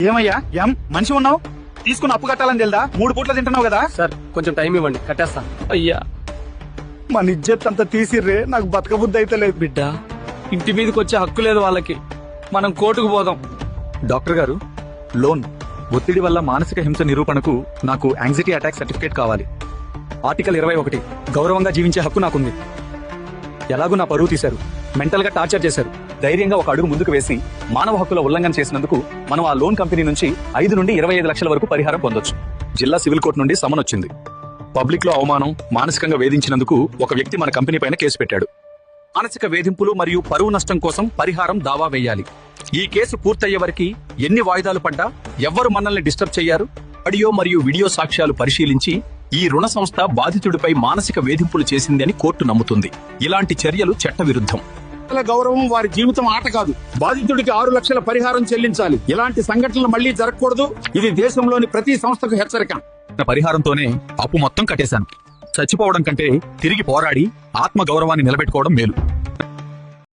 ఏమయ్యా మనిషి ఉన్నావు, తీసుకుని అప్పు కట్టాలని తెలుదా? 3 పూట్ల తింటున్నావు కదా. సార్ కొంచెం టైం ఇవ్వండి, కట్టేస్తా. అయ్యా మన ఇజ్జత్ అంతా తీసిర్రే, నాకు బతకబుద్ధి అయితే లేదు. బిడ్డ, ఇంటి మీదకి వచ్చే హక్కు లేదు వాళ్ళకి, మనం కోర్టుకు పోదాం. డాక్టర్ గారు, లోన్ ఒత్తిడి వల్ల మానసిక హింస నిరూపణకు నాకు యాంగ్జైటీ అటాక్ సర్టిఫికేట్ కావాలి. ఆర్టికల్ 21 గౌరవంగా జీవించే హక్కు నాకుంది. ఎలాగూ నా పరువు తీశారు, మెంటల్ గా టార్చర్ చేశారు. ధైర్యంగా ఒక అడుగు ముందుకు వేసి మానవ హక్కుల ఉల్లంఘన చేసినందుకు మనం ఆ లోన్ కంపెనీ నుంచి 5 నుండి 25 లక్షల వరకు పరిహారం పొందొచ్చు. జిల్లా సివిల్ కోర్టు నుండి సమన్ వచ్చింది. పబ్లిక్ లో అవమానం, మానసికంగా వేధించినందుకు ఒక వ్యక్తి మన కంపెనీ పైన కేసు పెట్టాడు. మానసిక వేధింపులు మరియు పరువు నష్టం కోసం పరిహారం దావా వేయాలి. ఈ కేసు పూర్తయ్యే వరకు ఎన్ని వాయిదాలు పడ్డా ఎవ్వరు మనల్ని డిస్టర్బ్ చెయ్యారు. ఆడియో మరియు వీడియో సాక్ష్యాలు పరిశీలించి ఈ రుణ సంస్థ బాధితుడిపై మానసిక వేధింపులు చేసింది అని కోర్టు నమ్ముతుంది. ఇలాంటి చర్యలు చట్టవిరుద్ధం. గౌరవం వారి జీవితం ఆట కాదు. బాధితుడికి 6 లక్షల పరిహారం చెల్లించాలి. ఇలాంటి సంఘటనలు మళ్లీ జరగకూడదు. ఇది దేశంలోని ప్రతి సంస్థకు హెచ్చరిక. పరిహారంతోనే అప్పు మొత్తం కట్టేశాను. చచ్చిపోవడం కంటే తిరిగి పోరాడి ఆత్మ గౌరవాన్ని నిలబెట్టుకోవడం మేలు.